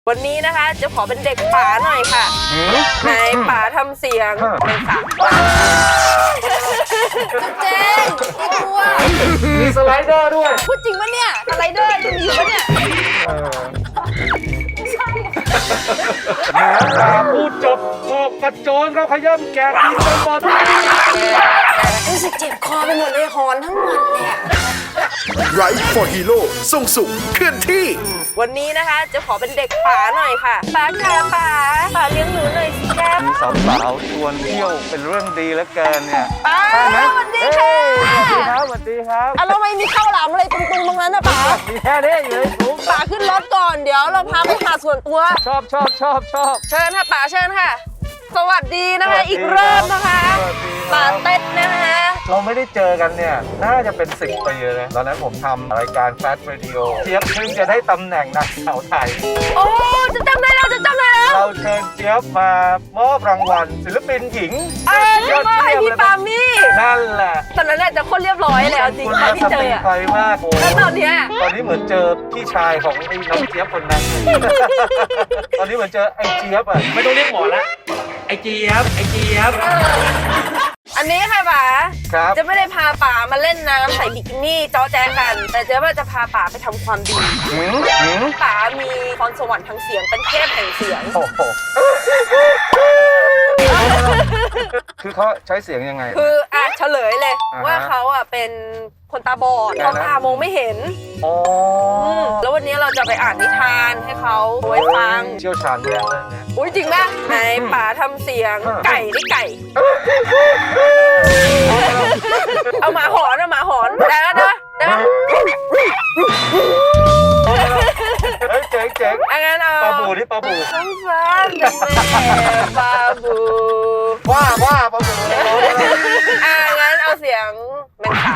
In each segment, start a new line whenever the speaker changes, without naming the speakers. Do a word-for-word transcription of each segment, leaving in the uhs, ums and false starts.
วันนี้นะคะจะขอเป็นเด็กป๋าหน่อยค่ะไหนป๋าทำเสียงเป็นสามเจ๊งไม่กลัว
มีสไลเดอร์ด้วย
พูดจริงปะเนี่ยสไลเดอร์จะมีอยู่ปะเนี่ย
แหมตาพูดจบออกกระโจนเขาขย่ำแกะกินจนหมด
รู้สึกเจ็บคอไปหมดเลยหอนทั้งวันเลย
ไรฟ์ฟอร์ฮีโร่ส่งสุขเคลื่อนที่
วันนี้นะคะจะขอเป็นเด็กป๋าหน่อยค่ะป๋าค่ะป๋าป๋าเลี้ยงหนูหน่อยสิแก้ม
สาวสาวชวนเที่ยวเป็นเรื่องดีแล้วเกินเนี่ย
ป๋าสวัสดีค่ะ
สวัสดีครับสวัสดีครับ
อ่ะแล้วไม่มีข้าวหลามอะไรตรงๆตรงนั้นนะป๋า
มีแค่นี้เลยผม
ป๋าขึ้นรถก่อนเดี๋ยวเราพาไปหาส่วนตัว
ชอบชอบชอบชอบ
เชิญค่ะป๋าเชิญค่ะสวัสดีนะคะอีกรอบนะคะป๋าเต้นนะคะ
เราไม่ได้เจอกันเนี่ยน่าจะเป็นสิบปีเลยตอนนั้นผมทำรายการแฟชั่นเรดิโอเจี๊ยบเพิ่งจะได้ตำแหน่งนักข่าวไทย
โอ้จะจำได้แล้วจะจำได้แล้ว
เราเชิญเจี๊ยบมามอบรางวัลศิลปินหญิง
เออยอดเยี่ยมให้พี่ปามี่
นั่นแหละ
ตอนนั้นแหละจะคนเรียบร้อยเลยเอาจริงตอนที่เจออะ
ไปมากโอ้
แล้วตอนเนี้ย
ตอนนี้เหมือนเจอพี่ชายของไอ้น้องเจี๊ยบคนนั้นตอนนี้เหมือนเจอไอ้เจี๊ยบอ่ะ
ไม่ต้องเรียกหมอละไอ้เจี๊ยบไอ้เจี๊ยบ
อันนี้ค่ะป๋า
ครับ
จะไม่ได้พาป๋ามาเล่นน้ำใส่บิกินี่จ้อแจ๊กันแต่เจ๊ว่าจะพาป๋าไปทำความดีป๋ามีพรสวรรค์ทางเสียงเป็นเทพแห่งเสียง
โอ้โหคือเขาใช้เสียงยังไง
คืออ่ะเฉลยเลยว่าเขาอ่ะเป็นคนตาบอดเขาตามองไม่เห็น
อ๋อ
แล้ววันนี้เราจะไปอ่านนิทานให้เขาไว้ฟัง
เชี่ยวชาญเรื่องนี้
อุ้ยจริงป่ะไหนป๋าทำเสียงไก่ได้ไก่เอาหมาหอนเอาหมาหอนได้แล้วนะได้
เฮ้ยเจ๋งเจ๋ง
อันนั้นเอา
ปลาบูที่ปลาบู
สงสารจังเลยปลาบู
ว่าว่าปลาบู
อ่างั้นเอาเสียงเป็นขา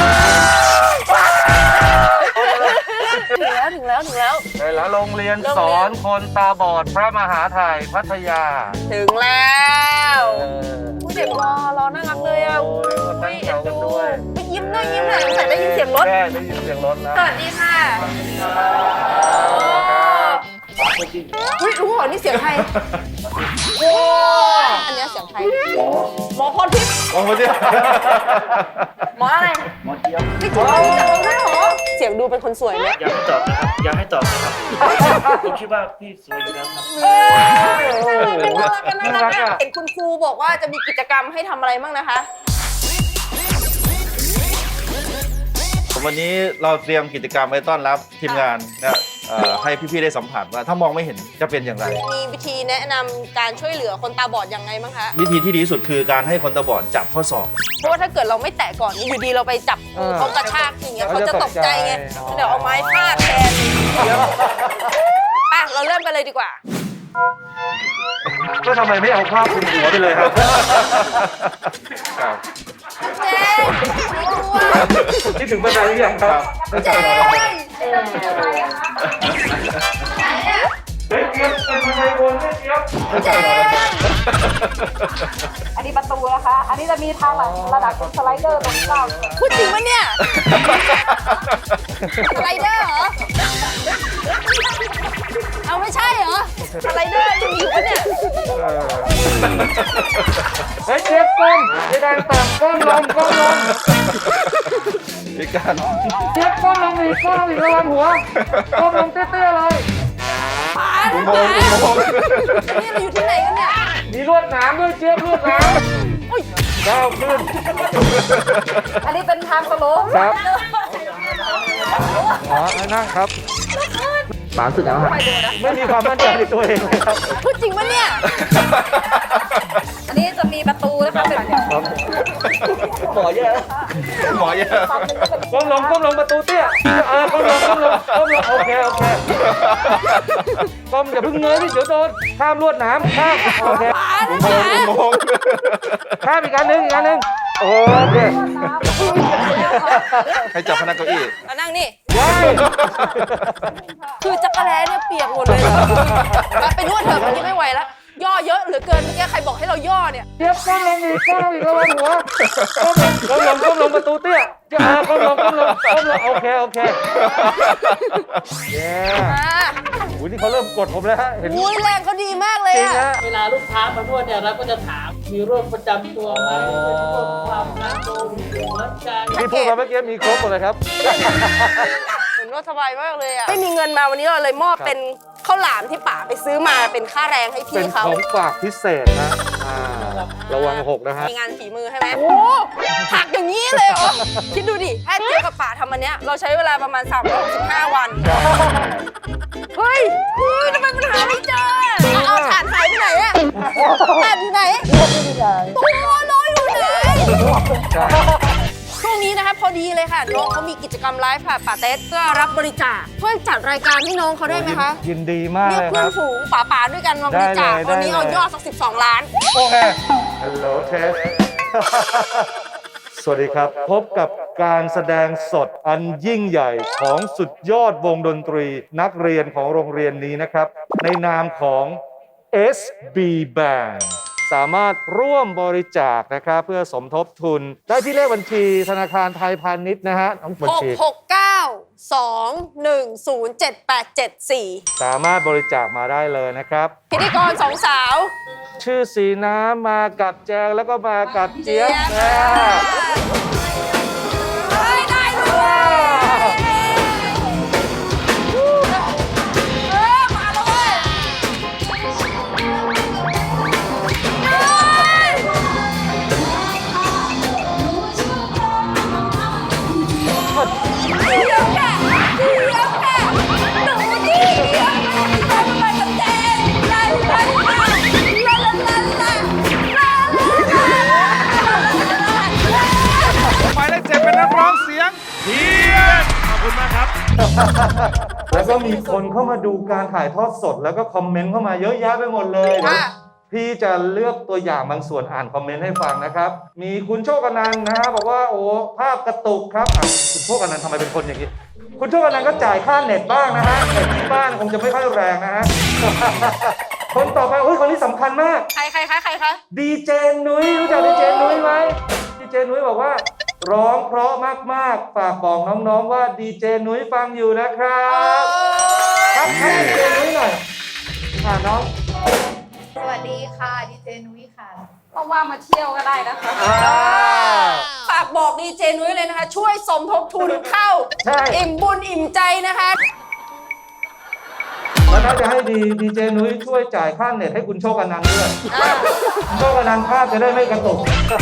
ถึงแล้วถึงแล้วถึงแล้ว
ไปแล้วโรงเรียนสอนคนตาบอดพระมหาไทยพัทยา
ถึงแล้วผู้เด็กรอรอน่ารักเลยอ่ะ
ตั้งแถวกันด้วย
ไปยิ้มหน่อยยิ้มหน่อยใส่ได้ยินเสียงรถ
ได้ได้ยินเสียงรถแล้ว
สวัสดีค่ะอุ้ยรู้เหรอนี่เสียงใครโอ้อันนี้เสียงใครหมอพรทิพย์
หมอพรทิพย์
หมออะไร
หมอเจี๊ยบ
ไม่ถูกรู้จักเราด้วยเหรอเสียงดูเป็นคนสวยไหม
อยากให้ตอบนะครับอยากให้ตอบนะครับผมคิดว่าพี่สวยอยู่แล้วครับ
น่ารักน่ารักเห็นคุณครูบอกว่าจะมีกิจกรรมให้ทำอะไรบ้างนะคะ
วันนี้เราเตรียมกิจกรรมไว้ต้อนรับทีมงานนะให้พี่ๆได้สัมผัสว่าถ้ามองไม่เห็นจะเป็นอย่างไร
มีวิธีแนะนำการช่วยเหลือคนตาบอดยังไงบ้างคะ
วิธีที่ดีที่สุดคือการให้คนตาบอดจับข้อศอก
เพราะว่าถ้าเกิดเราไม่แตะก่อนอยู่ดีเราไปจับเขากระชากอย่างเงี้ยเขาจะตกใจไงเดี๋ยวเอาไม้ฟาดแทนไปเราเริ่มกันเลยดีกว่า
ก็ทำไมไม่เอาผ้าคลุมหัวไปเลยครับ
เจ๊
นี่ถึงบันไดหรือยังครับ
เจ๊
เฮ้ยเจี๊ยบเป็นบันไดวนเจี๊ยบ
อันนี้ประตูนะคะ อันนี้จะมีทางหลังระดับสไลเดอร์ตรงกลาง
พูดจริงปะเนี่ยสไลเดอร์เหรอเอาไม่ใช่เหรอสไลเดอร์ยังมีอยู่ปะเนี่ย
เฮ้ยเจี๊ยบก้มไอ้แดงต่ำก้มลงก้มลง
อีกการ
เจี๊ยบก้มลงอีกก้มอีกระวังหัวก้มลงเตี้ยๆเลย
ป๋าป๋านี่เราอยู่ที่ไหนกันเนี่ย
มีลวดหนามด้วยเจี๊ยบลวดหนามก้าวขึ้น
อันนี้เป็นทางสโลป
ครับอ๋อนั่งครับป๋าสุดแล้วครับไม่มีความมั่นใจในตัวเองเลยครับ
พูดจริงปะเนี่ย
อันนี้จะมีประตูนะคะเป็น
หมอเยอะ
หมอเยอะ
ก้มลงก้มลงประตูเตี้ยเออก้มลงก้มลงก้มลงโอเคโอเคก้มอย่าเพิ่งเงยดิเดี๋ยวโดนข้ามลวดหนามข้ามโอเคข้ามอีกอันหนึ่งอีกอันหนึ่งโอเค
ให้จับพนักเก้าอี้
มานั่งนี่คือจักรแร้เนี่ยเปียกหมดเลยไปนวดเถอะวันนี้ไม่ไหวแล้วย่อเยอะเหลือเกินเมื่อกี้ใครบอกให้เราย่อเนี่ย
เจี๊ยบก้มลงอีกก้มลงอีกระวังหัวก้มลงก้มลงประตูเตี้ยจะมาก้มลงก้มลงก้มลงโอเคโอเคเย้โอ้ยนี่เขาเริ่มกดผมแล้วฮะเห็น
อุ้ยแรงเขาดีมากเลย
จริง
อะ
นะ
เวลาลูกค้ามานวดเนี่ยเราก็จะถามมีโรคประจำตัวไหมเป็นโรคความดันโลหิตหัวใจ
ที่พูดมาเมื่อกี้มีครบหมดเลยครับ
เหมือนว่าสบายมากเลยอะไม่มีเงินมาวันนี้เราเลยมอบเป็นข้าวหลามที่ป๋าไปซื้อมาเป็นค่าแรงให้
เป็
พี่
น
เขา
ของฝากพิเศษนะอ่าระวังหกนะฮะ
มีงานฝีมือใช่ไหมโอ้หักอย่างนี้เลยเหรอ คิดดูดิแค่เจ๊กับป๋าทำอันเนี้ยเราใช้เวลาประมาณสามร้อยหกสิบห้าวัน เฮ้ยเฮ้ยทำไมมันหาไม่เจอเอาเอาถ่านหายไปไหนอะถ่านอยู่ไหนตัวลอยอยู่ไหน ช่วงนี้นะคะพอดีเลยค่ะน้องเขามีกิจกรรมไลฟ์ค่ะป๋าเต๊ดเพื่อรับบริจาคช่วยจัดรายการให้น้องเขาได้ไหมคะ
ยินดีมาก
เรีย
เล
ก
ยค
เพื่อ
รั
น
บ
ฝูงป๋าๆด้วยกันมาบริจาค
ได้เลย
วันนี้
ได้เลย
เอายอดสักสิบสองล้าน
โอเคฮัลโหลเทส สวัสดีครับ พบกับการแสดงสดอันยิ่งใหญ่ของสุดยอดวงดนตรีนักเรียนของโรงเรียนนี้นะครับ ในนามของ เอส บี Band สามารถร่วมบริจาคนะครับเพื่อสมทบทุน ได้ที่เลขบัญชีธนาคารไทยพาณิชย์นะฮะทั้งบัญ
หก
ชี
หกเก้า สอง หนึ่ง ศูนย์ เจ็ด แปด เจ็ด สี่
สามารถบริจาคมาได้เลยนะครับ
พิธีกรสองสาว
ชื่อสีน้ำมากับแจงแล้วก็มากับเจี๊ยบนะ
ได้ได้ด้วยเออมาแล้วเว้ยเอ้ยเดี๋ยวแกเดี๋ยวแกหนูดิเดี๋ยวแกทำไมกับเจนลาลาลาลาลาลาลาลาลาลาลา
หมายเลขเจ็ดเป็นนักร้องเสียงเพียนขอบคุณมากครับ
แล้วก็มีคนเข้ามาดูการถ่ายทอดสด แล้วก็คอมเมนต์เข้ามาเยอะแยะไปหมดเลย
ค่ะ
พี่จะเลือกตัวอย่างบางส่วนอ่านคอมเมนต์ให้ฟังนะครับ มีคุณโชคอนันต์นะฮะบอกว่าโอ้ภาพกระตุกครับอ่ะคุณโชคอนันต์ทำไมเป็นคนอย่างนี้ คุณโชคอนันต์ก็จ่ายค่าเน็ตบ้างนะฮะเน็ตที่บ้านคงจะไม่ค่อยแรงนะฮะ คนต่อไปโอ้ยคนนี้สำคัญมาก
ใครใครคะใครคะ
ดีเจนุ้ยรู้จักดีเจนุ้ยไหมดีเจนุ้ยบอกว่า ร้องเพราะมากๆฝากบอกน้องๆว่าดีเจนุ้ยฟังอยู่นะครับครับให้ดีเจนุ้ยหน่อยอ่าน้อง
สวัสดีค่ะดีเจนุ้ยค่ะว่างๆมาเที่ยวก็ได้นะคะ
อ่า
ฝากบอกดีเจนุ้ยเลยนะคะ ช่วยสมทบทุนเข้า
ใช่
อิ่มบุญอิ่มใจนะคะ
แล้วน่าจะให้ดีดีเจนุ้ยช่วยจ่ายค่าเน็ตให้คุณโชคอนันต์ด้วย
อ่า
โชคอนันต์ภาพจะได้ไม่กระตุก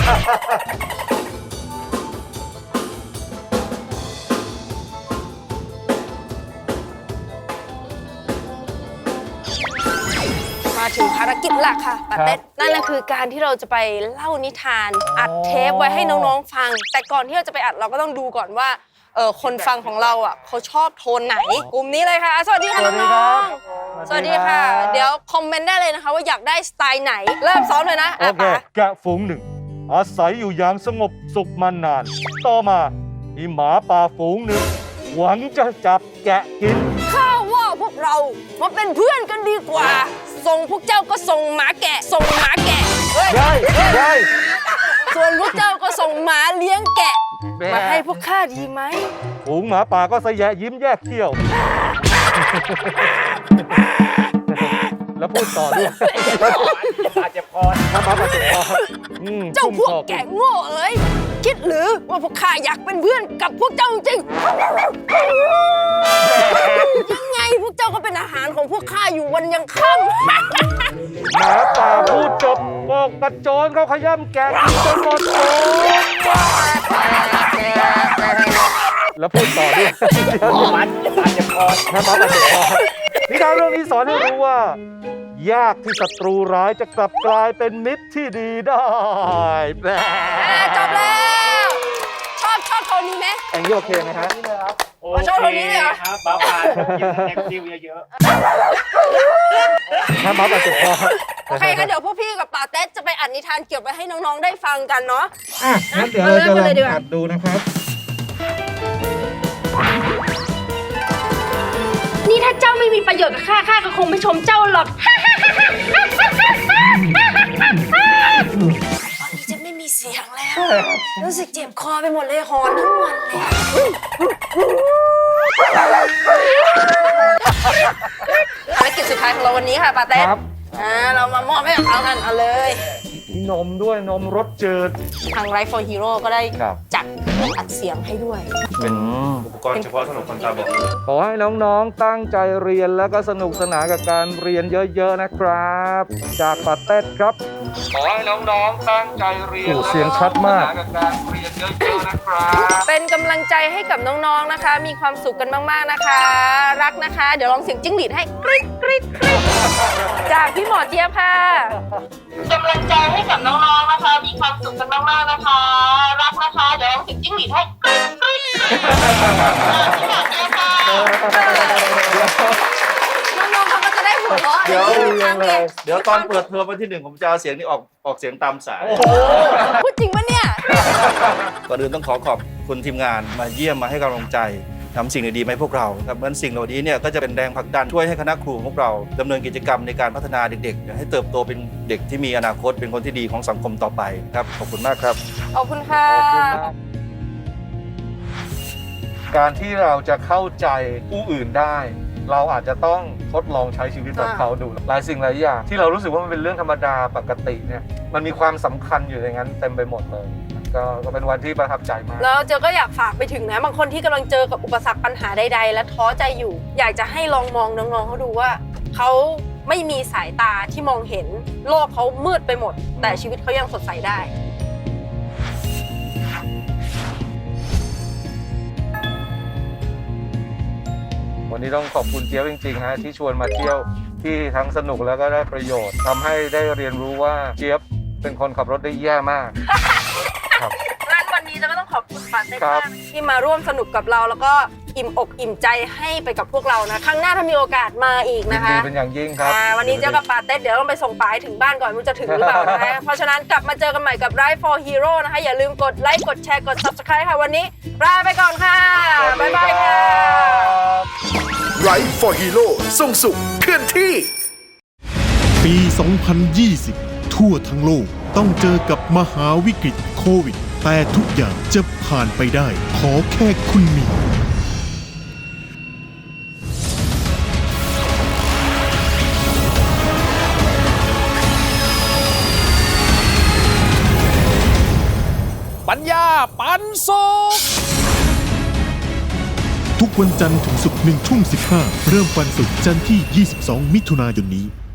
มาถึงภารกิจหลักค่ะป้าเต้นนั่นก็คือการที่เราจะไปเล่านิทาน อัดเทปไว้ให้น้องๆฟัง แต่ก่อนที่เราจะไปอัดเราก็ต้องดูก่อนว่าเออคนฟังของเราอ่ะเขาชอบโทนไหน กลุ่มนี้เลยค่ะ สวัสดีค่ะ
สวัสดี
น้
ครั
อบ งๆสวัสดีค่ะ เดี๋ยวคอมเมนต์ได้เลยนะคะ ว่าอยากได้สไตล์ไหน เริ่มซ้อมเลยนะ
โอ
อ่ะ
เค
ป๋า
แกะฝูงหนึ่ง อาศัยอยู่อย่างสงบสุขมานาน ต่อมามีหมาป่าฝูงหนึ่ง หวังจะจับแกะกิน
ข้าว่าพวกเรามาเป็นเพื่อนกันดีกว่า ส่งพวกเจ้าก็ส่งหมาแกะ ส่งหมาแกะเฮ้ย
ได้ได้
ส่วนพวกเจ้าก็ส่งหมาเลี้ยงแกะ มาให้พวกข้าดีไหม
ฝูงหมาป่าก็สะแยะยิ้มแยกเขี้ยว แล้วพูดต่อด้วย
อาจจะพอ
น้ำมันมาเจ็บคออืม
เจ้า
ชุ่ม
พวก
คอ
แกะโง่เอ้ย คิดหรือว่าพวกข้าอยากเป็นเพื่อนกับพวกเจ้าจริง ยังไงพวกเจ้าก็เป็นอาหารของพวกข้าอยู่วันยังค่ำ
หมาป่าพูดจบบอกกระโจนเขาขย้ำแกะกินจนหมดโถแล้วพูดต่อด้วย
มันอาจจะพอ
น้ำมันมาเจ็บคอนิทานเรื่องนี้สอนให้รู้ว่า ยากที่ศัตรูร้ายจะกลับกลายเป็นมิตรที่ดีได้แหม
จบแล้ว ชอบชอบโทนนี้ไหม
อย่างนี้โอเคไหมฮะ
โอ
ชอบคนนี้เลยเหรอ
ครับบ้าบานกินแอคทิวเยอะ
น้ำมันมาเจ็บคอ
โอเคงั้นเดี๋ยวพวกพี่กับป่าเต๊ดจะไปอัดนิทานเก็บไว้ให้น้องๆได้ฟังกันเนาะ
อ่ะงั้นเดี๋ยวเราจะล
เริ่มกันเลยดีก
อง
ว่า
อัดดูนะครับ
นี่ถ้าเจ้าไม่มีประโยชน์กับข้า ข้าก็คงไม่ชมเจ้าหรอก
ตอนนี้จะไม่มีเสียงแล้ว รู้สึกเจ็บคอไปหมดเลยหอนทั้งวันเลยภารกิจสุดท้ายของเราวันนี้ค่ะปาเต้
ครับ
อ่าเรามามอบให้กับเขากันเอาเลย
มีนมด้วยนมรสจืด
ทาง Right for Hero ก็ได้
ครับ
จัดเครื่องอัดเสียงให้ด้วย
เป็นอุปกรณ์เฉพาะสำหรับคนตาบอด
ขอให้น้องๆตั้งใจเรียนแล้วก็สนุกสนานกับการเรียนเยอะๆนะครับ จากปาเต้ครับ ขอให้น้องๆตั้งใจเรียนเสียงชัดมากกับการเรียนเยอะๆนะครับ
เป็นกำลังใจให้กับน้องๆนะคะ มีความสุขกันมากๆนะคะ รักนะคะ เดี๋ยวลองเสียงจิ้งหรีดให้กริ๊ดกริ๊ดกริ๊ดจากพี่หมอเจี๊ยบค่ะกำลังใจให้กับน้องๆนะคะ มีความสุขกันมากๆนะคะ รักนะคะ เดี๋ยวลองเสียงจิ้งหรีดให้กริ๊ดกริ๊ดพี่หมอเจี๊ยบค่ะน้องๆเขาก็จะได้หัวเราะ
เดี๋ยว
ทางเด็ก
เดี๋ยวตอนเปิดเทอมวันที่หนึ่งผมจะเอาเสียงนี้ออกออกเสียงตามสาย
พูดจริงปะเนี่ย
ก่อนอื่นต้องขอขอบคุณทีมงานมาเยี่ยมมาให้กำลังใจทำสิ่งดีๆมาให้พวกเราครับเหมือนสิ่งเหล่านี้เนี่ยก็จะเป็นแรงผลักดันช่วยให้คณะครูของพวกเราดำเนินกิจกรรมในการพัฒนาเด็กๆให้เติบโตเป็นเด็กที่มีอนาคตเป็นคนที่ดีของสังคมต่อไปครับขอบคุณมากครับ
ขอบคุณค่ะ
การที่เราจะเข้าใจผู้อื่นได้ เราอาจจะต้องทดลองใช้ชีวิตแบบเขาดูหลายสิ่งหลายอย่างที่เรารู้สึกว่ามันเป็นเรื่องธรรมดาปกติเนี่ยมันมีความสำคัญอยู่ในนั้นเต็มไปหมดเลยก็ก็เป็นวันที่ประทับใจมาก
แล้วเจอก็อยากฝากไปถึงนะบางคนที่กำลังเจอกับอุปสรรคปัญหาใดๆ และท้อใจอยู่ อยากจะให้ลองมองน้องๆเขาดูว่าเขาไม่มีสายตาที่มองเห็นโลกเขามืดไปหมด แต่ชีวิตเขายังสดใสได้
วันนี้ต้องขอบคุณเจี๊ยบจริงๆฮะที่ชวนมาเที่ยวที่ทั้งสนุกแล้วก็ได้ประโยชน์ทำให้ได้เรียนรู้ว่าเจี๊ยบเป็นคนขับรถได้แย่มาก ครับ
งั้นวันนี้จะก็ต้องขอบคุณปาเต้
ครั
มา
บ
กที่มาร่วมสนุกกับเราแล้วก็อิ่มอกอิ่มใจให้ไปกับพวกเรานะครั้งหน้าถ้ามีโอกาสมาอีก
ยิน
นะคะ
ดีเป็นอย่างยิ่งครับ
อ่าวันนี้เจอกับปาเต้เดี๋ยวต้องไปส่งป๋าให้ถึงบ้านก่อนไมันจะถึงหรือเปล่านะคะ เพราะฉะนั้นกลับมาเจอกันใหม่กับ Right for Hero นะคะ อย่าลืมกดไลค์กดแชร์กด Subscribe ค่ะวันนี้ลาไปก่อนค่ะบ๊ายบายค่ะ
Right for Hero ส่งสุขเคลื่อนที่
ปี สองพันยี่สิบ ทั่วทั้งโลกต้องเจอกับมหาวิกฤตโควิด แต่ทุกอย่างจะผ่านไปได้ ขอแค่คุณมี
ปัญญาปันสุข
ทุกวันจันทร์ถึงศุกร์หนึ่งทุ่มสิบห้าเริ่มวันศุกร์จันทร์ที่ ยี่สิบสอง มิถุนายนนี้